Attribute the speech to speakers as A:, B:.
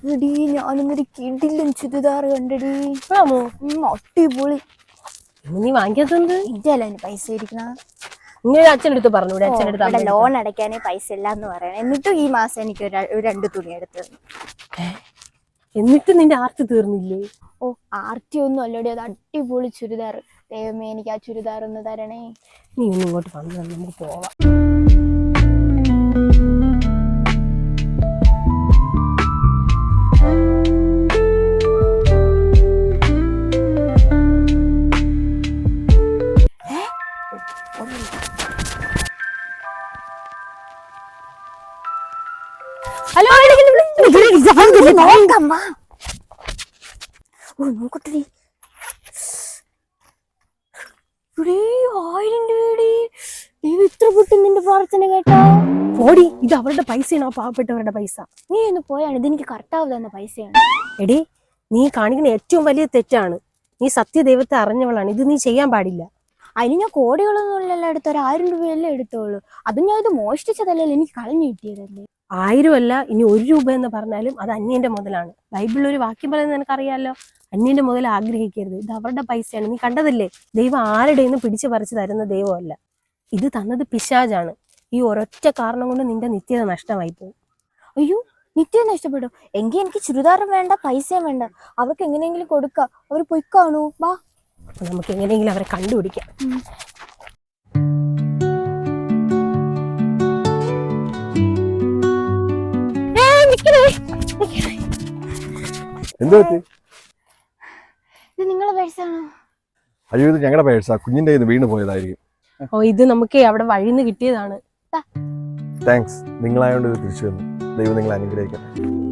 A: എടി ഞാനിന്നൊരു കിടിലൻ ചുരിദാർ കണ്ടടി. അടിപൊളി.
B: നീ വാങ്ങിക്കാത്തത്
A: ഇന്ത്യല്ല പൈസ ഇരിക്കണ.
B: ഇങ്ങനെ അച്ഛനടുത്ത് പറഞ്ഞു.
A: അച്ഛനടുത്ത് ലോൺ അടയ്ക്കാനേ പൈസ ഇല്ല എന്ന് പറയണം. എന്നിട്ടും ഈ മാസം എനിക്ക് രണ്ട് തുണി എടുത്തു.
B: എന്നിട്ട് നിന്റെ ആർത്തി തീർന്നില്ലേ?
A: ഓ ആർത്തി ഒന്നും അല്ലടി, അത് അടിപൊളി ചുരിദാർ. ദൈവമേ എനിക്ക് ആ ചുരിദാർ ഒന്ന് തരണേ.
B: നീ ഒന്ന് ഇങ്ങോട്ട് വന്നു, നമുക്ക് പോവാം.
A: ഹലോ നോക്കട്ടെ. 1000 രൂപയുടെ ഇത്ര പൊട്ടും നിന്റെ പ്രാർത്ഥന കേട്ടോ.
B: ഓടി, ഇത് അവരുടെ പൈസയാണ്, ആ പാവപ്പെട്ടവരുടെ പൈസ.
A: നീ ഒന്ന് പോയാണ്, ഇതെനിക്ക് കറക്റ്റാവ് തന്ന പൈസയാണ്.
B: എടി, നീ കാണിക്കുന്ന ഏറ്റവും വലിയ തെറ്റാണ്. നീ സത്യദൈവത്തെ അറിഞ്ഞവളാണ്, ഇത് നീ ചെയ്യാൻ പാടില്ല.
A: അതിന് ഞാൻ കോടികളൊന്നും ഇല്ലല്ലോ എടുത്ത, 1000 രൂപയല്ലേ എടുത്തോളൂ. അതും ഞാൻ ഇത് മോഷ്ടിച്ചതല്ലല്ലോ, എനിക്ക് കളഞ്ഞു കിട്ടിയതല്ലേ.
B: 1000 അല്ല, ഇനി 1 രൂപ എന്ന് പറഞ്ഞാലും അത് അന്യന്റെ മുതലാണ്. ബൈബിളിൽ ഒരു വാക്യം പറയുന്നത് നിനക്കറിയാലോ, അന്യന്റെ മുതൽ ആഗ്രഹിക്കരുത്. ഇത് അവരുടെ പൈസയാണ്. നീ കണ്ടതല്ലേ, ദൈവം ആരുടെയും പിടിച്ചു പറിച്ചു തരുന്ന ദൈവമല്ല. ഇത് തന്നത് പിശാചാണ്. ഈ ഒരൊറ്റ കാരണം കൊണ്ട് നിന്റെ നിത്യത നഷ്ടമായി പോകും.
A: അയ്യോ, നിത്യത നഷ്ടപ്പെടും. എങ്കിൽ എനിക്ക് ചുരിദാറും വേണ്ട, പൈസയും വേണ്ട. അവർക്ക് എങ്ങനെയെങ്കിലും കൊടുക്കാം. അവർ പൊയ്ക്കാണു. വാ,
B: നമുക്ക് എങ്ങനെയെങ്കിലും അവരെ കണ്ടുപിടിക്കാം.
A: ഇത് നിങ്ങളെ പേഴ്സാണോ?
C: അയ്യോ, ഇത് ഞങ്ങളുടെ പേഴ്സാ. കുഞ്ഞിന്റെ കയ്യിൽ നിന്ന് വീണ് പോയതായിരിക്കും.
B: ഓ, ഇത് നമുക്ക് അവിടെ വഴിന്ന് കിട്ടിയതാണ്.
C: താങ്ക്സ്. നിങ്ങളായോണ്ട് ഇത് തിരിച്ചു വന്നു. ദൈവം നിങ്ങളെ അനുഗ്രഹിക്കട്ടെ.